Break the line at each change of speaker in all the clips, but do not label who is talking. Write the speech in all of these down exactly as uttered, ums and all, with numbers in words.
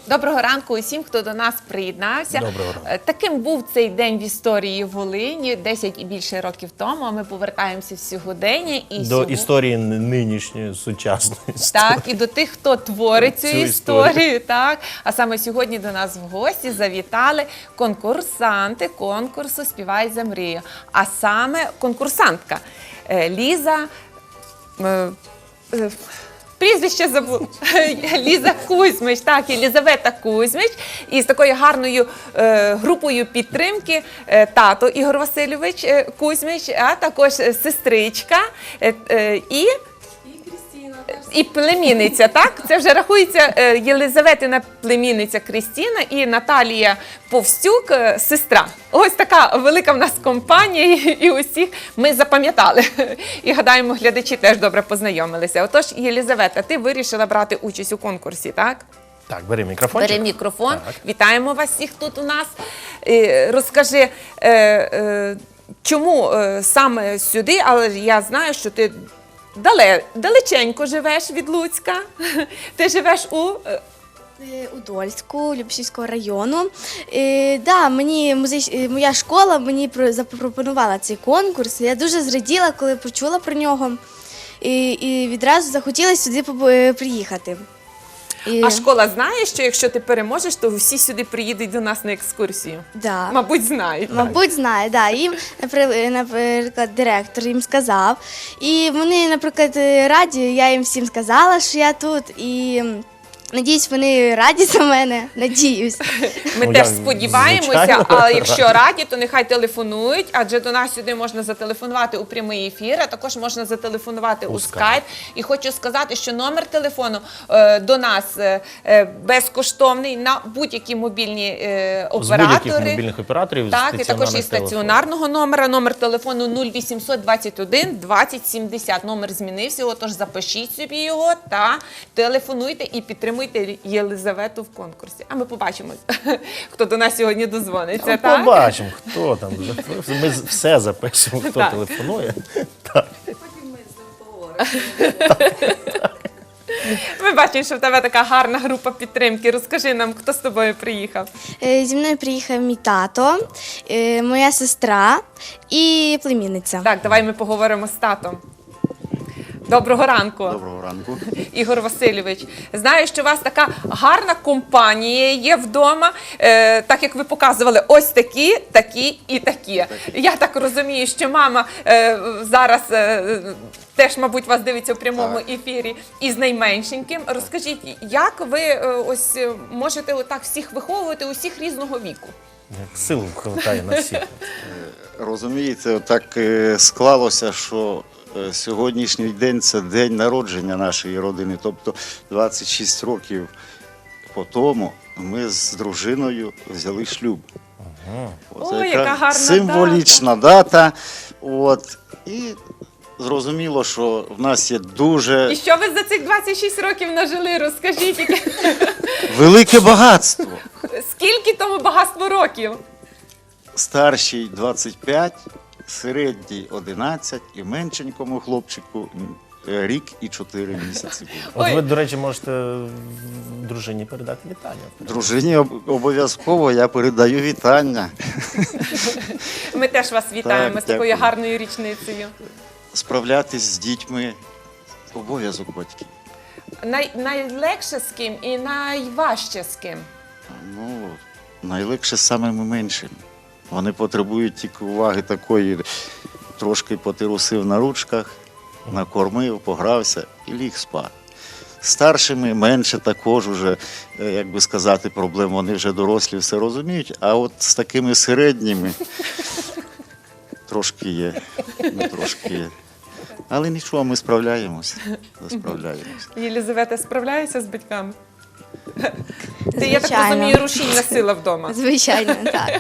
Доброго ранку усім, хто до нас приєднався.
Доброго ранку.
Таким був цей день в історії Волині десять і більше років тому. А ми повертаємося в сьогодення. І
До
сьогодні...
історії нинішньої, сучасної.
Так, і до тих, хто творить цю,
Цю
історію.
історію.
Так. А саме сьогодні до нас в гості завітали конкурсанти конкурсу «Співай за мрію». А саме конкурсантка е, Ліза... е, е, Прізвище забула. Ліза Кузьмич, так, Єлізавета Кузьмич. І з такою гарною е, групою підтримки е, тато Ігор Васильович е, Кузьмич, а також е, сестричка е, е, і... І племінниця, так? Це вже рахується е, Єлизаветина племінниця Крістіна і Наталія Повстюк, е, сестра. Ось така велика в нас компанія, і, і усіх ми запам'ятали. І гадаємо, глядачі теж добре познайомилися. Отож, Єлизавета, ти вирішила брати участь у конкурсі, так?
Так, бери мікрофончик.
Бери мікрофон.
Так.
Вітаємо вас всіх тут у нас. Е, розкажи, е, е, чому е, саме сюди, але я знаю, що ти Дале, далеченько живеш від Луцька. Ти живеш у...
Е, У Дольську, Любешівського району. Е, да, мені музич... е, моя школа мені про- запропонувала цей конкурс. Я дуже зраділа, коли почула про нього. І, і відразу захотіла сюди побу- е, приїхати. І...
А школа знає, що якщо ти переможеш, то всі сюди приїдуть до нас на екскурсію?
Да.
Мабуть, знають.
Мабуть, знає, да. Їм, напри- наприклад, директор їм сказав. І вони, наприклад, раді, я їм всім сказала, що я тут. І надіюсь, вони раді за мене. Надіюсь.
Ми
Ну,
теж
я,
сподіваємося,
звичайно,
а якщо
раді.
раді, то нехай телефонують, адже до нас сюди можна зателефонувати у прямий ефір, а також можна зателефонувати у,
У
скайп. І хочу сказати, що номер телефону е, до нас е, е, безкоштовний на будь-які мобільні е,
З будь-яких
оператори.
мобільних операторів.
Так, і також і
стаціонарних
стаціонарного номера, номер телефону нуль вісімсот двадцять один двадцять сімдесят. Номер змінився, отож запишіть собі його та телефонуйте і підтримуйте Єлизавету в конкурсі. А ми побачимо, хто до нас сьогодні дозвониться.
Ну,
Так?
побачимо, хто там. Ми все запишемо, хто
Так.
телефонує. Так.
Ми бачимо, що в тебе така гарна група підтримки. Розкажи нам, хто з тобою приїхав.
Е, Зі мною приїхав мій тато, е, моя сестра і племінниця.
Так, давай ми поговоримо з татом. Доброго ранку.
Доброго ранку.
Ігор Васильович, знаю, що у вас така гарна компанія є вдома, е, так як ви показували, ось такі, такі і такі. Я так розумію, що мама е, зараз е, теж, мабуть, вас дивиться в прямому
Так. ефірі
із найменшеньким. Розкажіть, як ви е, ось е, можете отак всіх виховувати, усіх різного віку?
Як сил хватає на всіх.
Розумієте, так е, склалося, що е, сьогоднішній день це день народження нашої родини. Тобто двадцять шість років по тому ми з дружиною взяли шлюб. От,
Ой,
яка
яка гарна
символічна дата. От, і зрозуміло, що в нас є дуже
І що ви за цих двадцять шість років нажили? Розкажіть, яке-
велике багатство.
скільки тому багатство років?
Старший двадцять п'ять, середній одинадцять і меншенькому хлопчику е, рік і чотири місяці було.
От
Ой.
ви, до речі, можете дружині передати вітання.
Дружині об- обов'язково я передаю вітання.
Ми теж вас вітаємо
Так,
з такою
дякую.
гарною річницею.
Справлятись з дітьми – обов'язок батьків.
Най, найлегше з ким і найважче з ким?
Ну, найлегше з самими меншими. Вони потребують тільки уваги такої, трошки потирусив на ручках, накормив, погрався і ліг спати. Старшими менше також уже, е, як би сказати, проблем, вони вже дорослі все розуміють, а от з такими середніми трошки є, ну, трошки є. Але нічого, ми справляємося, справляємося.
Єлизавета справляється з батьками? Ти, я так
Звичайно.
розумію, рушійна сила вдома.
Звичайно, так.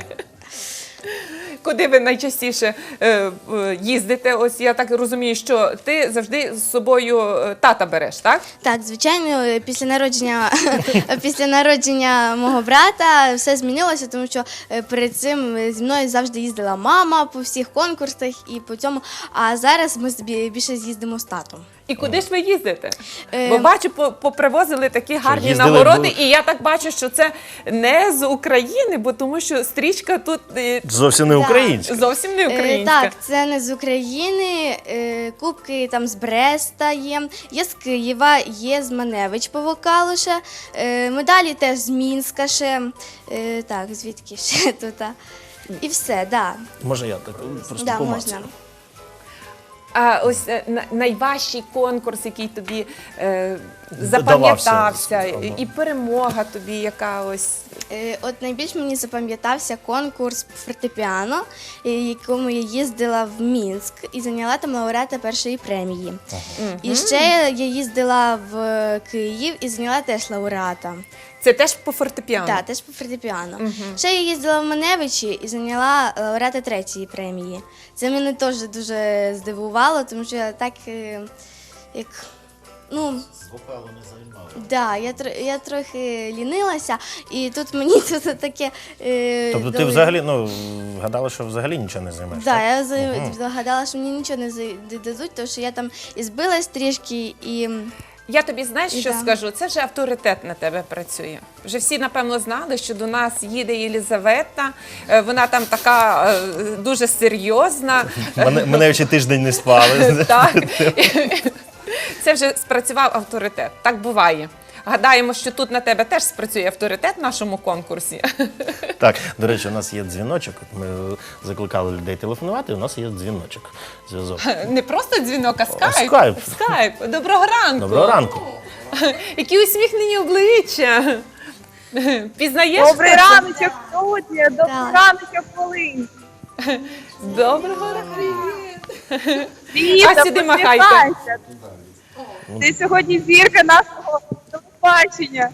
Куди ви найчастіше е, е, їздите? Ось я так розумію, що ти завжди з собою е, тата береш, так?
Так, звичайно, після народження, після народження мого брата все змінилося, тому що е, перед цим зі мною завжди їздила мама по всіх конкурсах і по цьому. А зараз ми збі- більше з'їздимо з татом.
І куди ж ви їздите?
Е,
Бо бачу, по- попривозили такі гарні
їздили
нагороди,
до-
і я так бачу, що це не з України, бо тому що стрічка тут е,
Зовсім не
Так.
українська.
зовсім не
Е,
українська.
Так, це не з України. Е, Кубки там з Бреста є, є з Києва, є з Маневич по вокалу ще. Е, Медалі теж з Мінська ще. Е, Так, звідки ще тут? а? І все, да.
Може я так просто
Да,
помацаю.
можна.
А ось е, на- найважчий конкурс, який тобі е,
Давався,
запам'ятався,
ага.
і, і перемога тобі, яка ось.
Е, От найбільш мені запам'ятався конкурс по фортепіано, е, якому я їздила в Мінськ і зайняла там лауреата першої премії. І ще я їздила в Київ і зайняла теж лауреата.
Це теж по фортепіано.
Так, теж по фортепіано. Ще я їздила в Маневичі і зайняла лауреата третьої премії. Це мене теж дуже здивувало, тому що я так е, як. Ну,
Вокалу не займали.
да, я, тр- я трохи лінилася, і тут мені тут таке. Е,
Тобто ти
дали-
взагалі, ну, гадала, що взагалі нічого не займеш?
Да,
так?
я за- загадала, що мені нічого не за- дадуть, тому що я там і збилась трішки, і
Я тобі знаєш,
І
що
да.
скажу? Це вже авторитет на тебе працює. Вже всі, напевно, знали, що до нас їде Єлізавета. Е, Вона там така е, дуже серйозна.
Мене, мене ще тиждень не спали.
Так. Це вже спрацював авторитет. Так буває. Гадаємо, що тут на тебе теж спрацює авторитет в нашому конкурсі.
Так, до речі, у нас є дзвіночок. От Ми закликали людей телефонувати, у нас є дзвіночок. Зв'язок.
Не просто дзвінок, а скайп.
скайп.
Скайп. Доброго ранку.
Доброго ранку.
Які усміхнені обличчя. Пізнаєш?
Добрий
хто це?
раночок, студія, добрий
Так.
раночок, Волинь.
Доброго ранку.
Віта,
А сюди махайте.
посміхайся. Ти сьогодні зірка нашого телебачення.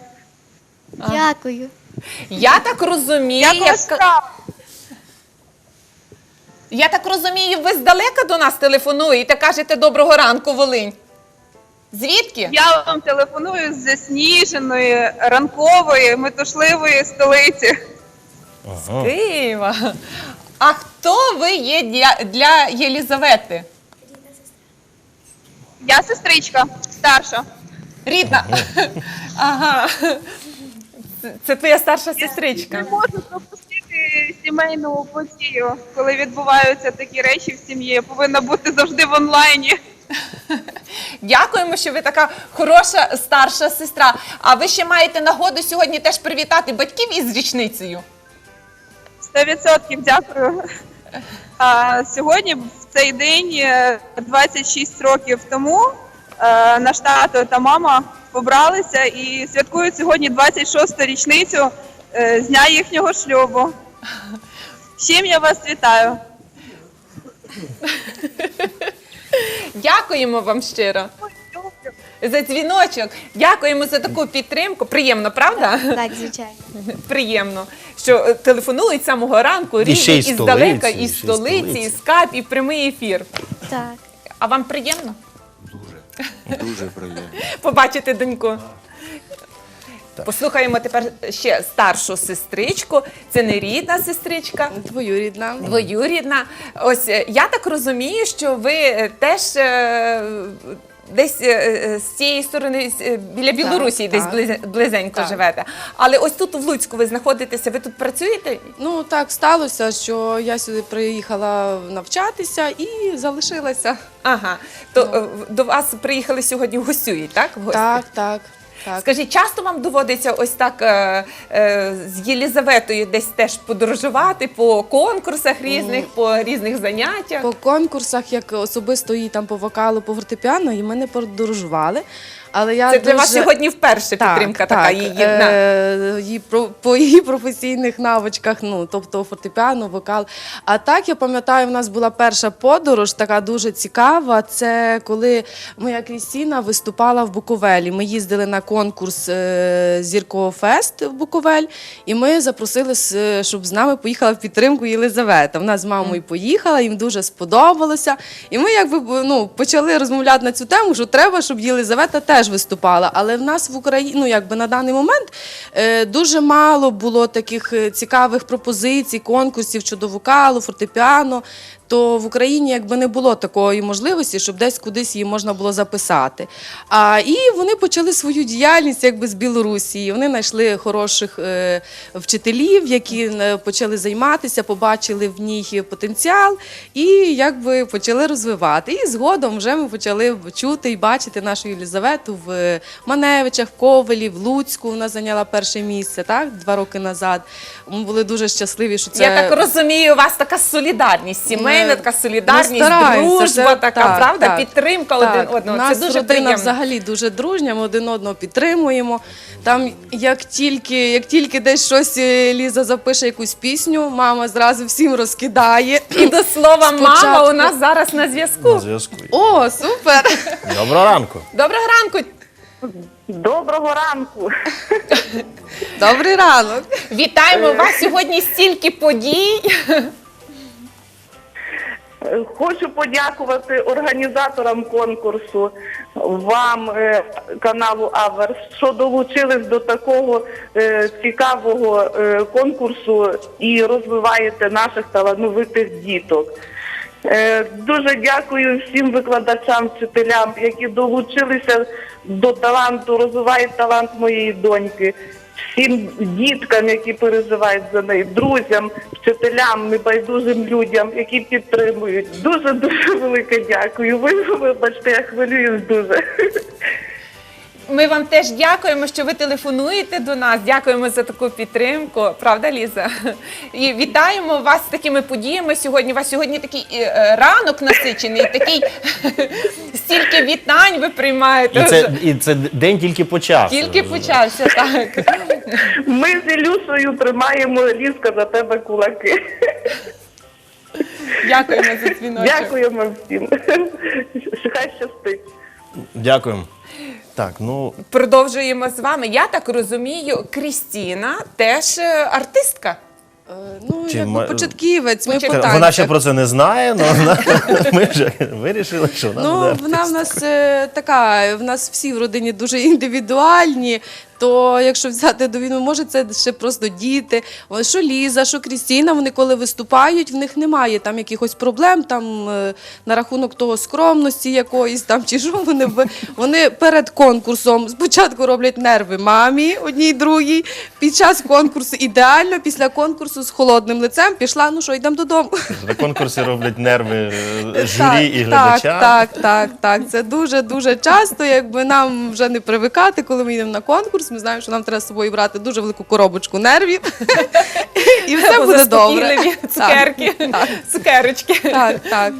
дякую.
Я так розумію,
Як
як...
ваш справа?
я так розумію, ви здалека до нас телефонуєте, кажете доброго ранку, Волинь. Звідки?
Я вам телефоную з засніженої, ранкової, метушливої столиці.
Ага.
Києва. А хто ви є для, для Єлізавети?
Я сестричка, старша.
Рідна. Ага. Це, це твоя старша сестричка.
Не можу пропустити сімейну подію, коли відбуваються такі речі в сім'ї. Я повинна бути завжди в онлайні.
Дякуємо, що ви така хороша старша сестра. А ви ще маєте нагоду сьогодні теж привітати батьків із річницею.
Сто відсотків дякую. А, сьогодні, в цей день, е, двадцять шість років тому, е, наш тато та мама побралися і святкують сьогодні двадцять шосту річницю е, з дня їхнього шлюбу. З чим я вас вітаю.
Дякуємо вам щиро за дзвіночок. Дякуємо за таку підтримку. Приємно, правда?
Так, звичайно.
Приємно, що е, телефонують з самого ранку,
І ще й
рідні, і
столиці,
здалека,
і
і
ще й
столиці, і
столиці.
скайп, і прямий ефір.
Так.
А вам приємно
Дуже, дуже приємно.
побачити доньку? Послухаємо тепер ще старшу сестричку. Це не рідна сестричка,
Двоюрідна.
двоюрідна. Ось е, я так розумію, що ви е, теж е, десь е, е, з цієї сторони з- е, біля Білорусі, десь
так.
близ- близенько
Так.
живете. Але ось тут в Луцьку ви знаходитеся. Ви тут працюєте?
Ну так сталося, що я сюди приїхала навчатися і залишилася.
Ага. То е, в- до вас приїхали сьогодні гостюють, так? В гості?
Так, так, так.
Скажіть, часто вам доводиться ось так е, е, з Єлізаветою десь теж подорожувати по конкурсах різних, по різних заняттях?
По конкурсах, як особисто її там по вокалу, по фортепіано, і ми не подорожували. Але я
Це для
дуже...
вас сьогодні вперше підтримка така її. на-
Е, її про, по її професійних навичках, ну, тобто фортепіано, вокал. А так, я пам'ятаю, в нас була перша подорож, така дуже цікава. Це коли моя Крістіна виступала в Буковелі. Ми їздили на конкурс е, Зіркового фест в Буковель, і ми запросили, с- щоб з нами поїхала в підтримку Єлизавета. Вона з мамою поїхала, їм дуже сподобалося. І ми якби ну, почали розмовляти на цю тему, що треба, щоб Єлизавета теж виступала. Але в нас в Україні, ну якби на даний момент е, дуже мало було таких е, цікавих пропозицій, конкурсів щодо вокалу, фортепіано. то в Україні якби не було такої можливості, щоб десь кудись її можна було записати. А, і вони почали свою діяльність якби з Білорусі. Вони знайшли хороших е, вчителів, які е, почали займатися, побачили в ній потенціал і якби почали розвивати. І згодом вже ми почали чути і бачити нашу Єлізавету в Маневичах, в Ковелі, в Луцьку. Вона зайняла перше місце, так, два роки назад. Ми були дуже щасливі, що це...
Я так розумію, у вас така солідарність, сімейна,
Ми-
така солідарність,
ми стараємося,
дружба,
це-
така,
так,
правда,
так.
підтримка
Так,
один одного.
у нас
Це дуже
родина
приємно.
взагалі дуже дружня, ми один одного підтримуємо. Там, як тільки, як тільки десь щось е, Ліза запише якусь пісню, мама зразу всім розкидає.
І до слова, мама
Спочатку-
у нас зараз на
На
зв'язку.
зв'язку.
О, супер!
Доброго ранку.
Доброго ранку.
Доброго ранку.
Добрий ранок!
Вітаємо вас сьогодні стільки подій.
Хочу подякувати організаторам конкурсу, вам, е, каналу Аверс, що долучились до такого е, цікавого е, конкурсу і розвиваєте наших талановитих діток. Е, Дуже дякую всім викладачам, вчителям, які долучилися до таланту, розвивають талант моєї доньки. Всім діткам, які переживають за неї, друзям, вчителям, небайдужим людям, які підтримують. Дуже-дуже велике дякую. Ви, вибачте, я хвилююсь дуже.
Ми вам теж дякуємо, що ви телефонуєте до нас. Дякуємо за таку підтримку. Правда, Ліза? І вітаємо вас з такими подіями сьогодні. У вас сьогодні такий е, ранок насичений, такий стільки вітань ви приймаєте.
І
вже.
це, і це день тільки почався.
Тільки почався, так.
Ми з Ілюшею тримаємо, Лізка, за тебе кулаки.
Дякуємо за дзвіночок.
Дякуємо всім. Хай щастить.
Дякуємо. Так, ну,
Продовжуємо з вами. Я так розумію, Крістіна теж е, артистка.
Е, Ну,
Чи
якби
ма-
початківець, ми
Початок-
по
вона
танцях.
ще про це не знає, але вона, ми вже вирішили, що вона буде
Ну, вона в
артистом.
нас е, така, в нас всі в родині дуже індивідуальні. То якщо взяти до війни, може це ще просто діти. О, Що Ліза, що Крістіна, вони коли виступають, в них немає там якихось проблем там е, на рахунок того скромності якоїсь там чи що вони в- вони перед конкурсом спочатку роблять нерви мамі одній другій. Під час конкурсу ідеально, після конкурсу з холодним лицем пішла. Ну що, йдемо додому.
На конкурсі роблять нерви е, журі
Так,
і глядачам.
Так, так, так, так. Це дуже дуже часто. Якби нам вже не привикати, коли ми йдемо на конкурс. Ми знаємо, що нам треба з собою брати дуже велику коробочку нервів, і все буде добре.
Заспокійливі цукерки,
Так,
цукерочки.
так, так.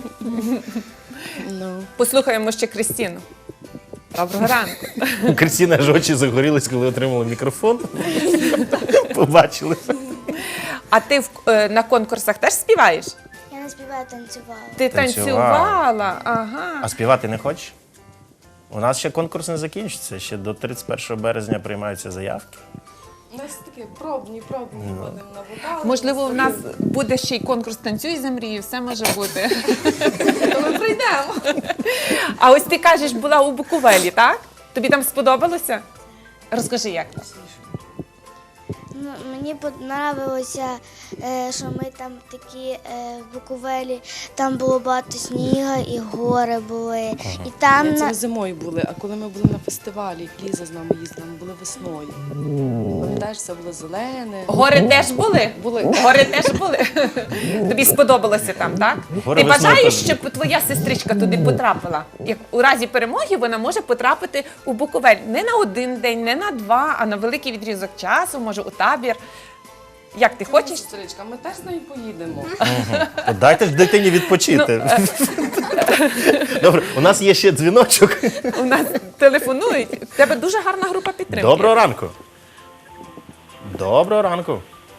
Ну.
Послухаємо ще Крістіну. Доброго ранку.
Крістіна аж очі загорілись, коли отримала мікрофон. Побачили.
А ти в, е, на конкурсах теж співаєш?
Я не співаю, танцювала.
Ти
Танцювала.
танцювала, ага.
А співати не хочеш? У нас ще конкурс не закінчиться, ще до тридцять першого березня приймаються заявки.
У нас такі пробні, пробні ходимо на вокал.
Можливо, в нас буде ще й конкурс «Танцюй за мрію», все може бути.
То ми прийдемо.
А ось ти кажеш, була у Буковелі, так? Тобі там сподобалося? Розкажи, як?
Ну, мені подобалося, е, що ми там такі е, в Буковелі, там було багато снігу і гори були. І там
Ні, це
на...
ми зимою були, а коли ми були на фестивалі, як Ліза з нами їздила, ми були весною. Пам'ятаєш, все було зелене.
Гори теж були?
Були.
Гори теж були? Тобі сподобалося там, так?
Гори
Ти
весною
бажаєш,
теж.
щоб твоя сестричка туди потрапила? Як у разі перемоги вона може потрапити у Буковель не на один день, не на два, а на великий відрізок часу, може у табір. Як ти хочеш?
Сестричка, ми теж з нею поїдемо.
От дайте ж дитині відпочити. Добре, у нас є ще дзвіночок.
У нас телефонують. У тебе дуже гарна група підтримки.
Доброго ранку. Доброго ранку.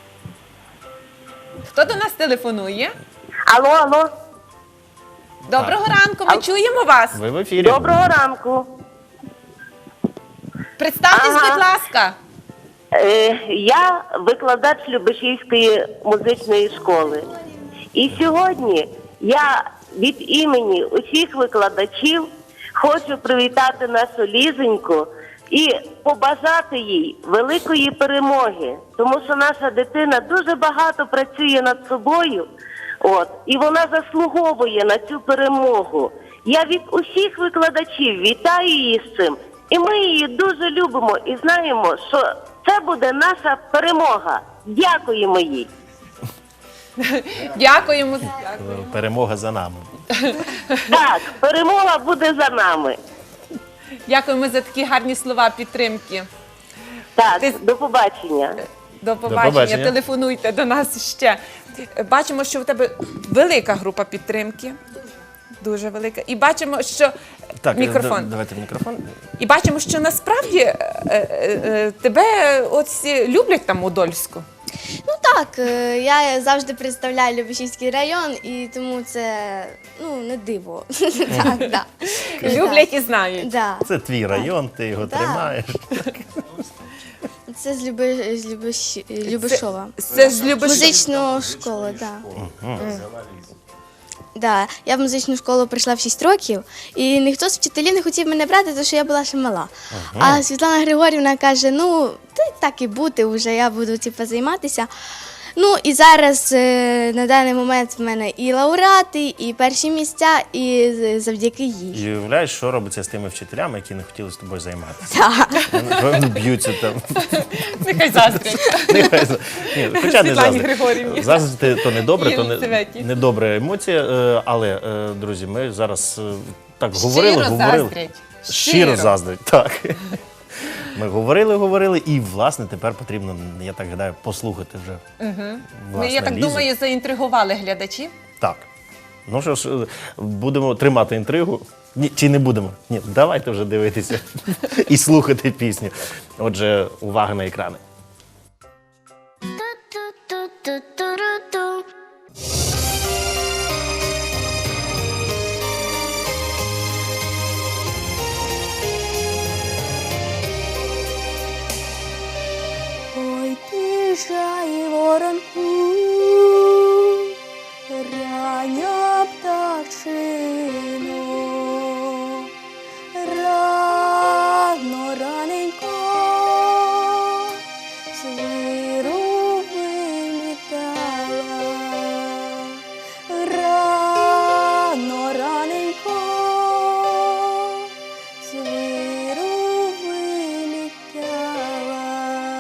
Хто до нас телефонує?
Алло, алло.
Доброго ранку, ми чуємо вас.
Ви в ефірі.
Доброго ранку.
Представтесь,
Ага.
будь ласка.
Е, Я викладач Любешівської музичної школи. І сьогодні я від імені усіх викладачів хочу привітати нашу Лізоньку і побажати їй великої перемоги, тому що наша дитина дуже багато працює над собою,
От. І вона заслуговує на цю перемогу. Я від усіх викладачів вітаю її з цим. І ми її дуже любимо і знаємо, що це буде наша перемога. Дякуємо їй.
Дякуємо.
Перемога за нами.
Так, перемога буде за нами.
Дякуємо за такі гарні слова підтримки.
Так,
Ти-
до побачення.
До побачення.
побачення.
Телефонуйте до нас ще. Бачимо, що в тебе велика група підтримки. Дуже велика. І бачимо, що
Так,
мікрофон.
д- давайте мікрофон.
І бачимо, що насправді е, е, е, тебе от всі люблять там у Дольську.
Ну так, е, я завжди представляю Любешівський район, і тому це ну, не диво. Так, да.
Люблять і знають.
Да.
Це твій район, ти його
Да.
тримаєш.
Це з, Люби, з Любеш... Любешова.
Це ж любиш.
Музичну школу, так. Да. Да. Я в музичну школу прийшла в шість років, і ніхто з вчителів не хотів мене брати, тому що я була ще мала. А Світлана Григорівна каже: ну, ти так і бути вже, я буду типу, займатися. Ну і зараз е, на даний момент в мене і лауреати, і перші місця, і з- завдяки їй.
І уявляєш, що робиться з тими вчителями, які не хотіли з тобою займатися.
Так.
Вони б'ються там.
Нехай заздрять.
Нехай за- Ні, хоча не
Світлані
заздрить.
Григорівні.
Заздрити то не добре, то не,
Єлизаветі.
не добра емоція. е, Але, е, друзі, ми зараз е, так говорили,
Щиро
говорили.
заздрять.
Щиро
Щиро.
заздрять, так. Ми говорили, говорили, і, власне, тепер потрібно, я так гадаю, послухати вже.
Ми,
Власне,
я так
Лізу.
думаю, заінтригували глядачів.
Так. Ну що ж, е, будемо тримати інтригу. Ні, чи не будемо? Ні, давайте вже дивитися і слухати пісню. Отже, увага на екрани.
Ой, тишай воронку, рання пташино, рано раненько, звіру вилітала, рано раненько, звіру вилітала.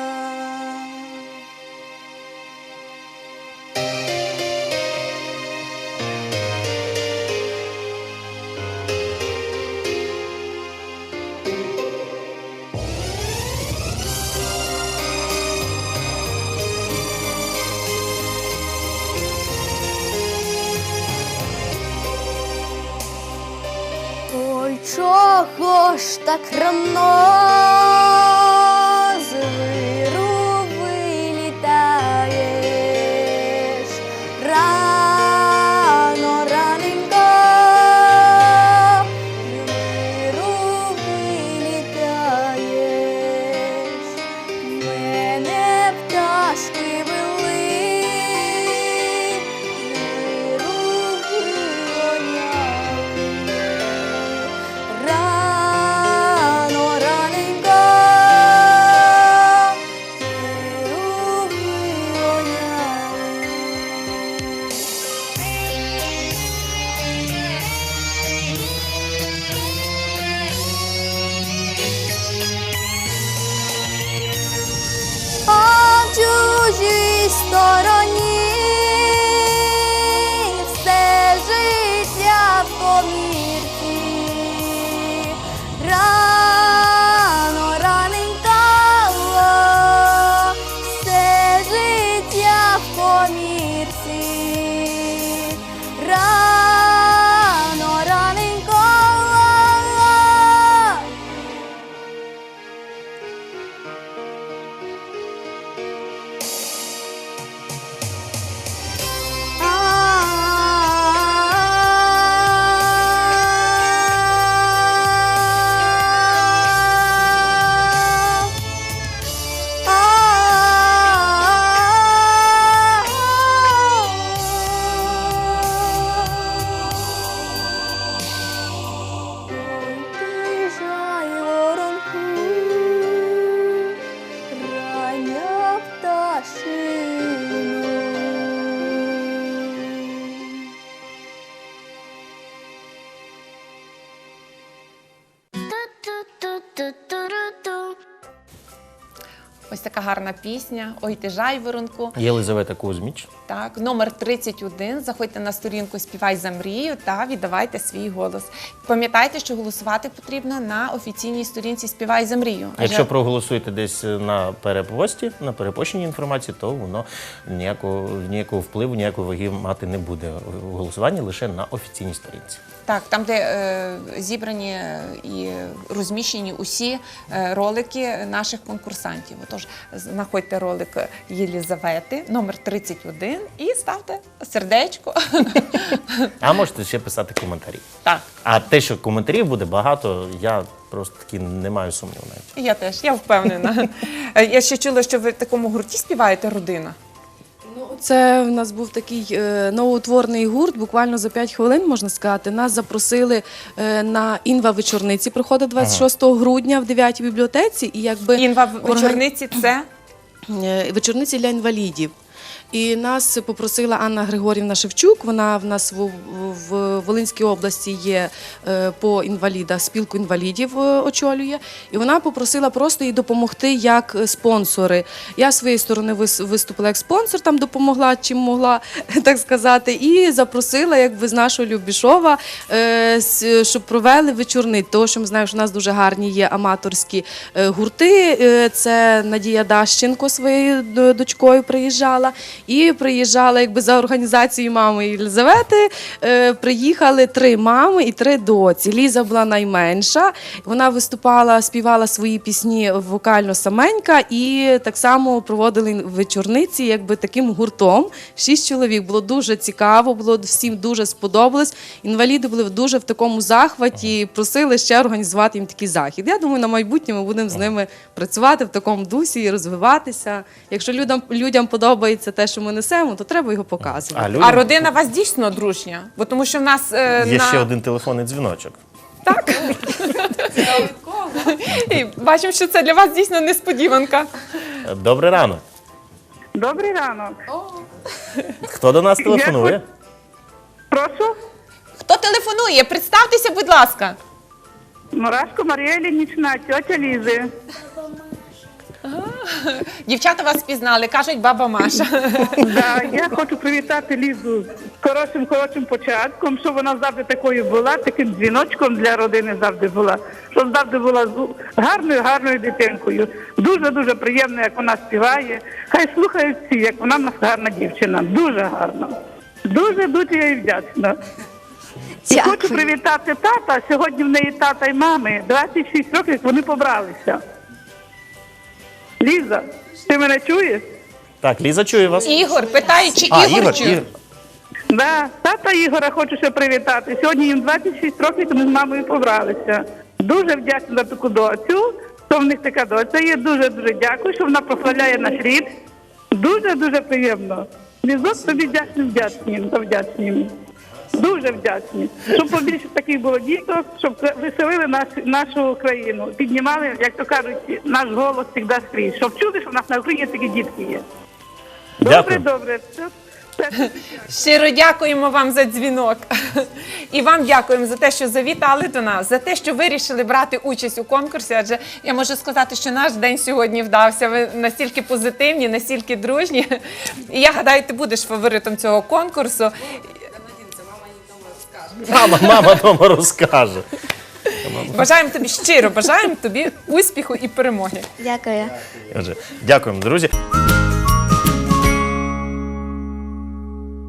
Ой, чого ж так рано з виру вилітаєш? Рано, раненько, з виру вилітаєш. Мене пташки вели, з виру вигоняли. Рано, раненько, звіру а в чужій стороні все життя в комірці. Рано, раненько, все життя в комірці. Рано, раненько.
Ось така гарна пісня «Ой ти жайворонку».
Єлизавета Кузьміч.
Так, номер тридцять один. Заходьте на сторінку «Співай за мрію» та віддавайте свій голос. Пам'ятайте, що голосувати потрібно на офіційній сторінці «Співай за мрію». Адже-
Якщо проголосуєте десь на перепості, на перепощеній інформації, то воно ніякого, ніякого впливу, ніякої ваги мати не буде. Голосування лише на офіційній сторінці.
Так, там, де е, зібрані е, і розміщені усі е, ролики наших конкурсантів. Отож, знаходьте ролик Єлізавети, номер тридцять один, і ставте сердечко.
А можете ще писати коментарі.
Так,
А те, що коментарів буде багато, я просто таки не маю сумніву навіть.
я теж, я впевнена. Е, Я ще чула, що ви в такому гурті співаєте «Родина».
Ну, це в нас був такий е, новоутворений гурт, буквально за п'ять хвилин, можна сказати. Нас запросили е, на інва-вечорниці, проходить двадцять шостого грудня в дев'ятій бібліотеці. І якби
Інва в
орган-
вечорниці – це?
Е, вечорниці для інвалідів. І нас попросила Анна Григорівна Шевчук. Вона в нас в, в Волинській області є е, по інвалідах, спілку інвалідів е, очолює. І вона попросила просто їй допомогти як спонсори. Я з своєї сторони вис- виступила як спонсор, там допомогла, чим могла, так сказати. І запросила якби з нашого Любішова, е, с- щоб провели вечорниць. Тому що ми знаємо, що в нас дуже гарні є аматорські е, гурти. Е, Це Надія Дащенко своєю д- дочкою приїжджала. І приїжджала якби за організацією мами Єлизавети. Е, приїхали три мами і три доці. Ліза була найменша. Вона виступала, співала свої пісні вокально саменька, і так само проводили вечорниці, якби таким гуртом. Шість чоловік. Було дуже цікаво, було всім дуже сподобалось. Інваліди були дуже в такому захваті, просили ще організувати їм такий захід. Я думаю, на майбутнє ми будемо з ними працювати в такому дусі і розвиватися. Якщо людям, людям подобається те, що ми несемо, то треба його показувати.
А, людям-
А родина у вас дійсно дружня? Бо тому що в нас е,
Є
на...
ще один телефонний дзвіночок.
Так. І бачимо, що це для вас дійсно несподіванка.
Добрий ранок.
Добрий ранок.
Хто до нас телефонує?
Прошу.
Хто телефонує? Представтеся, будь ласка.
Мурашко Марія Іллінічна, тьотя Лізи.
Дівчата вас впізнали, кажуть баба Маша.
Да, я хочу привітати Лізу з хорошим, хорошим початком, щоб вона завжди такою була, таким дзвіночком для родини завжди була, щоб завжди була з- гарною, гарною дитинкою. Дуже-дуже приємно, як вона співає. Хай слухають всі, як вона в нас гарна дівчина. Дуже гарна. Дуже-дуже я їй вдячна. І
Дякую.
хочу привітати тата. Сьогодні в неї тата і мами. двадцять шість років, як вони побралися. Ліза, ти мене чуєш?
Так, Ліза чує вас.
Ігор, питає, чи
А,
Ігор,
Ігор,
чує?
Ігор.
Да, тата Ігора хочу ще привітати. Сьогодні їм двадцять шість років, вони з мамою побралися. Дуже вдячна за таку доцю, що в них така доця є. Дуже-дуже дякую, що вона прославляє наш рід. Дуже-дуже приємно. Лізок тобі вдячні, вдячні, та вдячні. Дуже вдячні. Щоб побільше таких було діток, щоб веселили наш, нашу країну. Піднімали, як то кажуть, наш голос завжди скрізь. Щоб чули, що в нас на Україні такі дітки є. Добре,
Дякую.
добре. Все, все.
Щиро дякуємо вам за дзвінок. І вам дякуємо за те, що завітали до нас, за те, що вирішили брати участь у конкурсі. Адже я можу сказати, що наш день сьогодні вдався. Ви настільки позитивні, настільки дружні. І я гадаю, ти будеш фаворитом цього конкурсу.
Мама, мама дома розкаже.
Бажаємо тобі щиро, бажаємо тобі успіху і перемоги.
Дякую.
Отже, дякуємо, друзі.